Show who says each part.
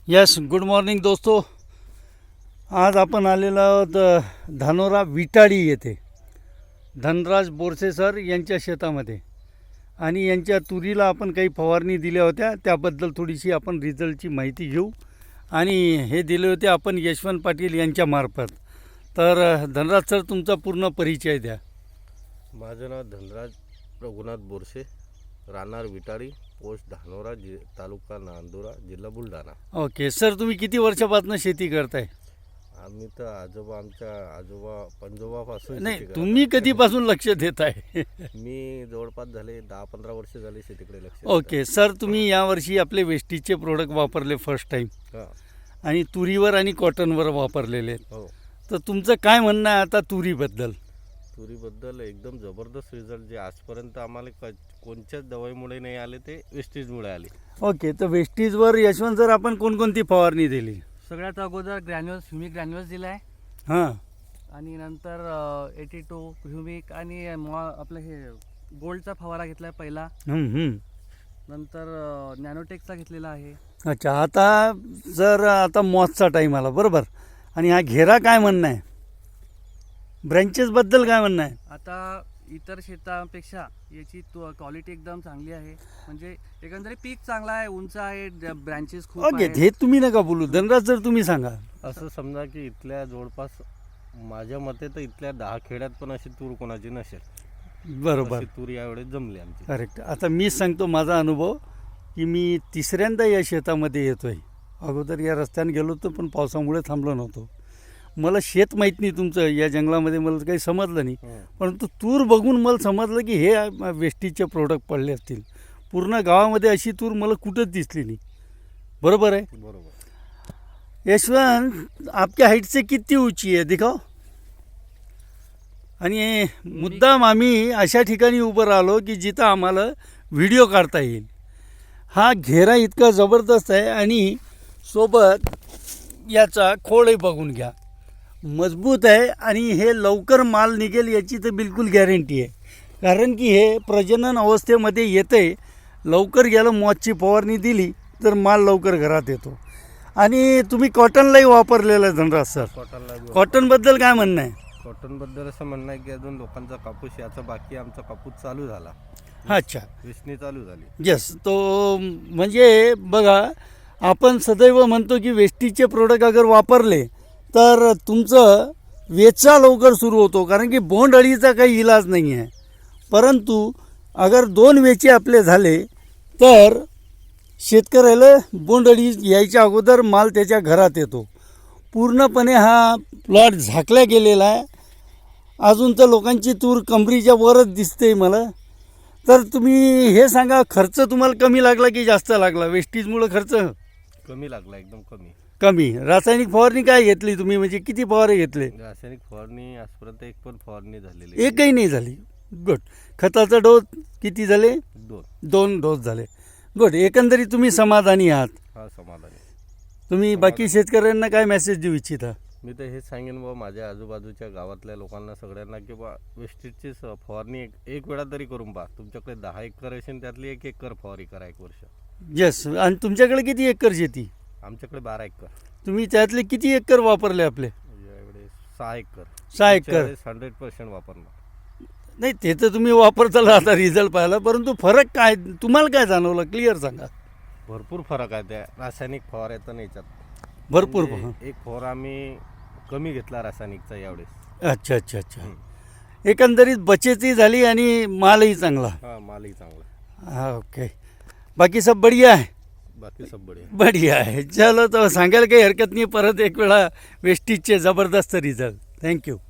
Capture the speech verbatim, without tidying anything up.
Speaker 1: Yes, good morning दोस्तों. आज आपण आलेलो आहोत धानोरा विटाळी येथे धनराज बोरसे सर यांच्या शेतामध्ये, आणि यांच्या तुरीला आपण काही फवारणी दिल्या होत्या, त्याबद्दल थोडीशी आपण रिझल्टची माहिती घेऊ. आणि हे दिले होते आपण यशवंत पाटील यांच्या मार्फत. तर धनराज सर, तुमचा पूर्ण परिचय द्या.
Speaker 2: माझं नाव धनराज रघुनाथ बोरसे, राहणार विटाळी, पोस्ट धानोरा, जि तालुका नांदुरा, जिल्हा बुलढाणा.
Speaker 1: ओके सर, तुम्ही किती वर्षापासून शेती करताय?
Speaker 2: आम्ही तर आजोबा आमच्या आजोबा पंजोबापासून
Speaker 1: नाही,
Speaker 2: शेती करतो.
Speaker 1: तुम्ही कधीपासून लक्ष देत आहे?
Speaker 2: मी जवळपास झाले दहा पंधरा वर्ष झाले शेतीकडे लक्ष.
Speaker 1: ओके सर, तुम्ही यावर्षी आपले वेस्टीजचे प्रोडक्ट वापरले फर्स्ट टाईम,
Speaker 2: हां
Speaker 1: आणि तुरीवर आणि कॉटनवर वापरलेले आहेत.
Speaker 2: हो.
Speaker 1: तर तुमचं काय म्हणणं आहे आता तुरीबद्दल?
Speaker 2: तुरीबद्दल एकदम जबरदस्त रिझल्ट जे आजपर्यंत आम्हाला क कोणत्याच दवाईमुळे नाही आले, ते वेस्टेजमुळे आले.
Speaker 1: ओके, तर वेस्टीजवर यशवंत सर आपण कोणकोणती फवारणी दिली?
Speaker 3: सगळ्यात अगोदर ग्रॅन्युअल्स ह्युमिक ग्रॅन्युअल्स दिला आहे,
Speaker 1: हां,
Speaker 3: आणि नंतर एटी टू ह्युमिक आणि मॉ आपलं हे गोल्डचा फवारा घेतला आहे पहिला.
Speaker 1: हं, हं.
Speaker 3: नंतर नॅनोटेकचा घेतलेला आहे.
Speaker 1: अच्छा, आता जर आता मॉसचा टाईम आला बरोबर, आणि हा घेरा काय म्हणणं आहे? ब्रँचेसबद्दल काय म्हणणं आहे?
Speaker 3: आता इतर शेतापेक्षा याची क्वालिटी एकदम चांगली आहे, म्हणजे एकंदरीत पीक चांगला आहे, उंच आहे, ब्रँचेस खूप
Speaker 1: ओके,
Speaker 3: आहेत.
Speaker 1: हे तुम्ही नका बोलू. धनराज सर, तुम्ही सांगा.
Speaker 2: असं समजा की इथल्या जवळपास माझ्या मते तर इथल्या दहा खेड्यात पण अशी तूर कोणाची नसेल.
Speaker 1: बरोबर,
Speaker 2: अशी तूर यावेळेस जमली आमची.
Speaker 1: करेक्ट. आता मीच सांगतो माझा अनुभव, की मी तिसऱ्यांदा या शेतामध्ये येतो आहे. अगोदर या रस्त्याने गेलो होतो, पण पावसामुळे थांबलो नव्हतो. मला शेत माहीत नाही तुमचं, या जंगलामध्ये मला काही समजलं नाही.
Speaker 2: हं.
Speaker 1: परंतु तूर बघून मला समजलं की हे वेस्टीजचे प्रोडक्ट पडले असतील. पूर्ण गावामध्ये अशी तूर मला कुठंच दिसली नाही. बरोबर आहे?
Speaker 2: बरोबर.
Speaker 1: यशवंत, आपल्या हाईट से किती ऊंची आहे दिखाओ. आणि मुद्दाम आम्ही अशा ठिकाणी उभं राहिलो की जिथं आम्हाला व्हिडिओ काढता येईल. हा घेरा इतका जबरदस्त आहे, आणि सोबत याचा खोळही बघून घ्या, मजबूत आहे, आणि हे लवकर माल निघेल याची तर बिलकुल गॅरंटी आहे. कारण की हे प्रजनन अवस्थेमध्ये येते, लवकर गेलं मॉसची फवारणी दिली तर माल लवकर घरात येतो. आणि तुम्ही कॉटनलाही वापरलेलं आहे धनराज सर.
Speaker 2: कॉटनला
Speaker 1: कॉटनबद्दल काय म्हणणं आहे?
Speaker 2: कॉटनबद्दल असं म्हणणं आहे की अजून लोकांचा कापूस याचा बाकी, आमचा कापूस चालू झाला.
Speaker 1: अच्छा,
Speaker 2: वेचणी चालू झाली.
Speaker 1: येस. तो म्हणजे बघा, आपण सदैव म्हणतो की वेस्टीजचे प्रोडक्ट अगर वापरले तर तुमचं वेचा लवकर सुरू होतो, कारण की बोंडअळीचा काही इलाज नाही आहे. परंतु अगर दोन वेचे आपले झाले तर शेतकऱ्याला बोंडअळी यायच्या अगोदर माल त्याच्या घरात येतो. पूर्णपणे हा प्लॉट झाकला गेलेला आहे. अजून तर लोकांची तूर कमरीच्या वरच दिसते मला. तर तुम्ही हे सांगा, खर्च तुम्हाला कमी लागला की जास्त लागला? वेस्टीजमुळं खर्च
Speaker 2: कमी लागला, एकदम कमी.
Speaker 1: कमी. रासायनिक फवारणी काय घेतली तुम्ही, म्हणजे किती फवारे घेतले?
Speaker 2: रासायनिक फवारणी आजपर्यंत एक पण फवारणी झालेली
Speaker 1: एकही नाही झाली. गुड. खताचा डोस किती झाले?
Speaker 2: दोन
Speaker 1: दोन डोस झाले. गुड. एकंदरीत तुम्ही समाधानी आहात?
Speaker 2: हा, समाधान आहे.
Speaker 1: तुम्ही बाकी शेतकऱ्यांना काय मेसेज देऊ इच्छिता?
Speaker 2: मी तर हेच सांगेन बा माझ्या आजूबाजूच्या गावातल्या लोकांना सगळ्यांना की बा वेस्टेजची फवारणी एक एक वेळा तरी करून पहा. तुमच्याकडे दहा एकर असेल, त्यातली एक एकर फवारणी करा एक वर्ष.
Speaker 1: येस. आणि तुमच्याकडे किती एकर शेती?
Speaker 2: आमच्याकडे बारा एकर.
Speaker 1: तुम्ही त्यातले किती एकर वापरले आपले?
Speaker 2: यावेळेस सहा एकर.
Speaker 1: सहा एकर.
Speaker 2: हंड्रेड पर्सेंट वापरणार.
Speaker 1: नाही, ते तर तुम्ही वापरताला आता रिझल्ट पाहिला, परंतु फरक काय तुम्हाला काय जाणवलं, क्लिअर सांगा.
Speaker 2: भरपूर फरक आहे त्या रासायनिक फवाऱ्याचा आणि याच्यात.
Speaker 1: भरपूर.
Speaker 2: म्हणजे एक फवारा आम्ही कमी घेतला रासायनिकचा यावेळेस.
Speaker 1: अच्छा अच्छा अच्छा. एकंदरीत बचतही झाली आणि मालही चांगला.
Speaker 2: हा, मालही चांगला.
Speaker 1: हाँ, ओके. बाकी सब बढ़िया है?
Speaker 2: बाकी सब बढिया.
Speaker 1: बढ़िया आहे. चलो, तर सांगायला काही हरकत नाही. परत एक वेळा वेस्टीजचे जबरदस्त रिझल्ट. थँक्यू.